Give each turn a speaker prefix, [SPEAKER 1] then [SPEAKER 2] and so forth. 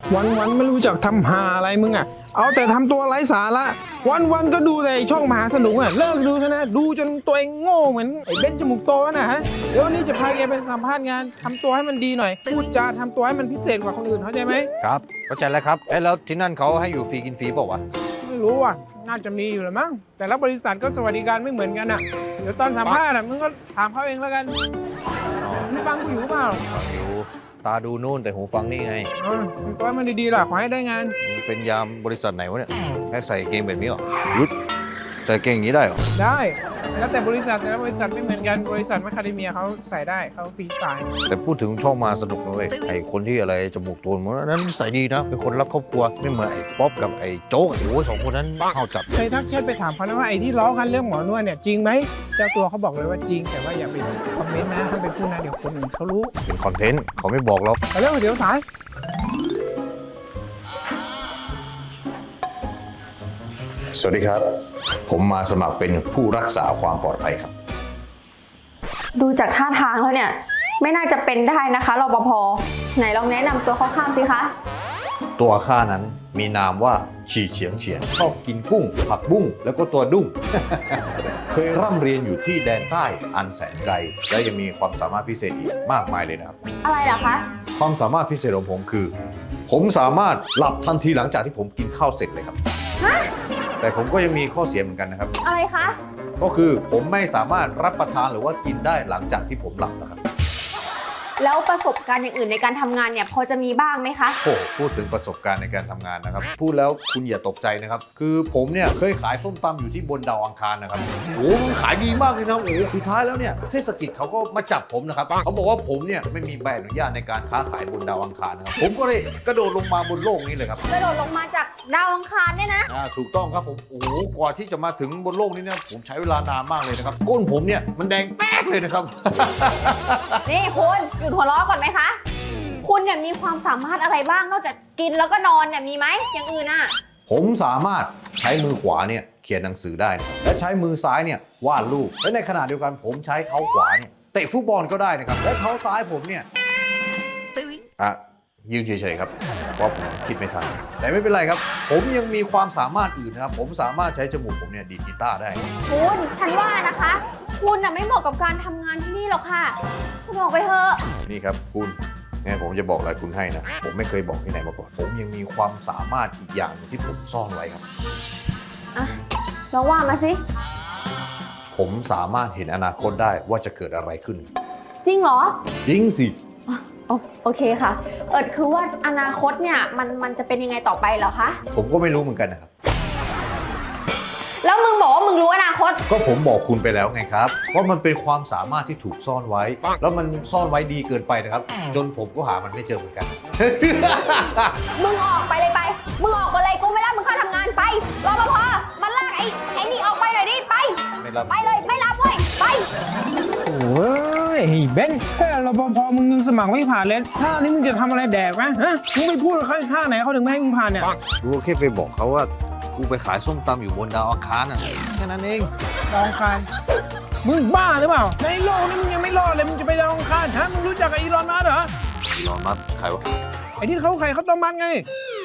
[SPEAKER 1] วันไม่รู้จักทำหาอะไรมึงอ่ะเอาแต่ทำตัวไร้สาระวันก็ดูแต่ช่องมหาสนุกอ่ะเลิกดูเถอะนะดูจนตัวเองโง่เหมือนไอ้เบนจมูกโตนะฮะเดี๋ยววันนี้จะพาแกไปสัมภาษณ์งานทำตัวให้มันดีหน่อยพูดจาทำตัวให้มันพิเศษกว่าคนอื่นเข้าใจไหม
[SPEAKER 2] ครับเข้าใจแล้วครับแล้วที่นั่นเขาให้อยู่ฟรีกินฟรีเปล่าวะ
[SPEAKER 1] ไม่รู้อ่ะน่าจะมีอยู่แหละมั้งแต่ละบริษัทก็สวัสดิการไม่เหมือนกันอ่ะเดี๋ยวตอนสัมภาษณ์อ่ะมึงก็ถามเขาเองแล้วกันมึงฟังกูอยู่เปล่า
[SPEAKER 2] ฟังอยู่ตาดูนู่นแต่หูฟังนี่ไง
[SPEAKER 1] ทำตัวให้มันดีๆล่ะขอให้ได้งาน
[SPEAKER 2] มึงเป็นยามบริษัทไหนวะเนี่ยแค่ใส่เกงแบบนี้เหรอยุดใส่เกงอย่างนี้ได้เหรอ
[SPEAKER 1] ได้แล้วแต่บริษัทแต่ละบริษัทไม่เหมือนกันบริษัทแมคคาเดเมียเขาใส่ได้เขาฟรีสไตล์
[SPEAKER 2] แต่พูดถึงช่องมาสนุกนะเว้ยไอคนที่อะไรจมูกโตนมันนั้นใส่ดีนะเป็นคนรักครอบครัวไม่เหมือนไอ้ป๊อปกับไอ้โจ๊กโอ้ยสองคนนั้นเข้าจับ
[SPEAKER 1] เคยทักแชทไปถามเขานะว่าไอ้ที่ล้อกันเรื่องหมอนวดเนี่ยจริงไหมเจ้าตัวเขาบอกเลยว่าจริงแต่ว่าอย่าไปคอมเมนต์นะถ้าเป็นผู้นะเดี๋ยวคนอื่นเขารู้
[SPEAKER 2] เป็นคอนเทนต์เขาไม่บอกหรอก
[SPEAKER 1] ไปเร็วเดี๋ยวสาย
[SPEAKER 2] สวัสดีครับ ผมมาสมัครเป็นผู้รักษาความปลอดภัยครับ
[SPEAKER 3] ดูจากท่าทางแล้วเนี่ยไม่น่าจะเป็นได้นะคะรปภไหนลองแนะนำตัวคร่าวๆสิคะ
[SPEAKER 2] ตัวข้านั้นมีนามว่าฉีเฉียงเฉียนชอบกินกุ้งผักบุ้งแล้วก็ตัวดุ้ง เคยร่ำเรียนอยู่ที่แดนใต้อันแสนไกลและยังมีความสามารถพิเศษอีกมากมายเลยนะครับ
[SPEAKER 3] อะไรเหรอคะ
[SPEAKER 2] ความสามารถพิเศษของผมคือ ผมสามารถหลับทันทีหลังจากที่ผมกินข้าวเสร็จเลยครับ แต่ผมก็ยังมีข้อเสียเหมือนกันนะครับ
[SPEAKER 3] อะไรคะ
[SPEAKER 2] ก็คือผมไม่สามารถรับประทานหรือว่ากินได้หลังจากที่ผมหลับนะครับ
[SPEAKER 3] แล้วประสบการณ์อย่างอื่นในการทำงานเนี่ยพอจะมีบ้างไหมคะ
[SPEAKER 2] โอ้พูดถึงประสบการณ์ในการทำงานนะครับ พูดแล้วคุณอย่าตกใจนะครับ คือผมเนี่ยเคยขายส้มตำอยู่ที่บนดาวอังคารนะครับโอ้มันขายดีมากเลยนะโอ้สุดท้ายแล้วเนี่ยเทศกิจเขาก็มาจับผมนะครับเขาบอกว่าผมเนี่ยไม่มีใบอนุญาตในการค้าขายบนดาวอังคารนะครับผมก็เลยกระโดดลงมาบนโลกนี้เลยครับ
[SPEAKER 3] กระโดดลงมาจากดาวอังคารเนี่ยนะ
[SPEAKER 2] ถูกต้องครับผมโอ้โหกว่าที่จะมาถึงบนโลกนี้เนี่ยผมใช้เวลานานมากเลยนะครับก้นผมเนี่ยมันแดงแป๊กเลยนะครับ
[SPEAKER 3] นี่คุณหยุดหัวเราะก่อนไหมคะ คุณเนี่ยมีความสามารถอะไรบ้างนอกจากกินแล้วก็นอนเนี่ยมีไหมอย่างอื่นอ่ะ
[SPEAKER 2] ผมสามารถใช้มือขวาเนี่ยเขียนหนังสือได้นะครับและใช้มือซ้ายเนี่ยวาดรูปและในขณะเดียวกันผมใช้เท้าขวาเนี่ยเตะฟุตบอลก็ได้นะครับและเท้าซ้ายผมเนี่ยยืนเฉยๆครับเพราะผมคิดไม่ทันแต่ไม่เป็นไรครับผมยังมีความสามารถอื่นนะครับผมสามารถใช้จมูกผมเนี่ยดีดกีตาร์ได้
[SPEAKER 3] คุณฉันว่านะคะ คุณน่ะไม่เหมาะกับการทำงานที่นี่หรอกค่ะ คุณออกไปเถอะ
[SPEAKER 2] นี่ครับคุณงั้นผมจะบอกอะไรคุณให้นะผมไม่เคยบอกที่ไหนมาก่อนผมยังมีความสามารถอีกอย่างหนึ่งที่ผมซ่อนไว้ครับ
[SPEAKER 3] อ่ะลองว่ามาสิ
[SPEAKER 2] ผมสามารถเห็นอนาคตได้ว่าจะเกิดอะไรขึ้น
[SPEAKER 3] จริงเหรอ
[SPEAKER 2] จริงสิ
[SPEAKER 3] โอเคค่ะ คือว่าอนาคตเนี่ยมันจะเป็นยังไงต่อไปเหรอคะ
[SPEAKER 2] ผมก็ไม่รู้เหมือนกันนะครับ
[SPEAKER 3] แล้วมึงบอกว่ามึงรู้อนาคต
[SPEAKER 2] ก็ผมบอกคุณไปแล้วไงครับว่ามันเป็นความสามารถที่ถูกซ่อนไว้ แล้วมันซ่อนไว้ดีเกินไปนะครับ จนผมก็หามันไม่เจอเหมือนกัน
[SPEAKER 3] มึงออกไปเลยไป มึงออกไปเลยกูไม่รับมึงเข้าทำงานไปรปภมันลากไอ้นี่ออกไปหน่อยดิไป
[SPEAKER 2] ไม่รับ
[SPEAKER 3] ไปเลยไม่รับเว้ยไป
[SPEAKER 1] โอ้ยไอ้เบนแค่รปภมึงยังสมัครไม่ผ่านเลยท่านี้มึงจะทำอะไรแดกนะฮะมึงไม่พูดเขาท่าไหนเขาถึงไม่ให้มึงผ่านเนี่ย
[SPEAKER 2] กูแค่ไปบอกเขาว่ากูไปขายส้มตำอยู่บนดาวอังคารน่ะแค่นั้นเอง
[SPEAKER 1] ดาวอังคารมึงบ้าหรือเปล่าในโลกนี้มึงยังไม่รอดเลยมึงจะไปดาวอังคารฮะมึงรู้จักไอ้อีลอนมัสก์เหรอ
[SPEAKER 2] อีลอนมัสก์ใครวะ
[SPEAKER 1] ไอ้ที่เขาไข่เขาวต้มมัดไง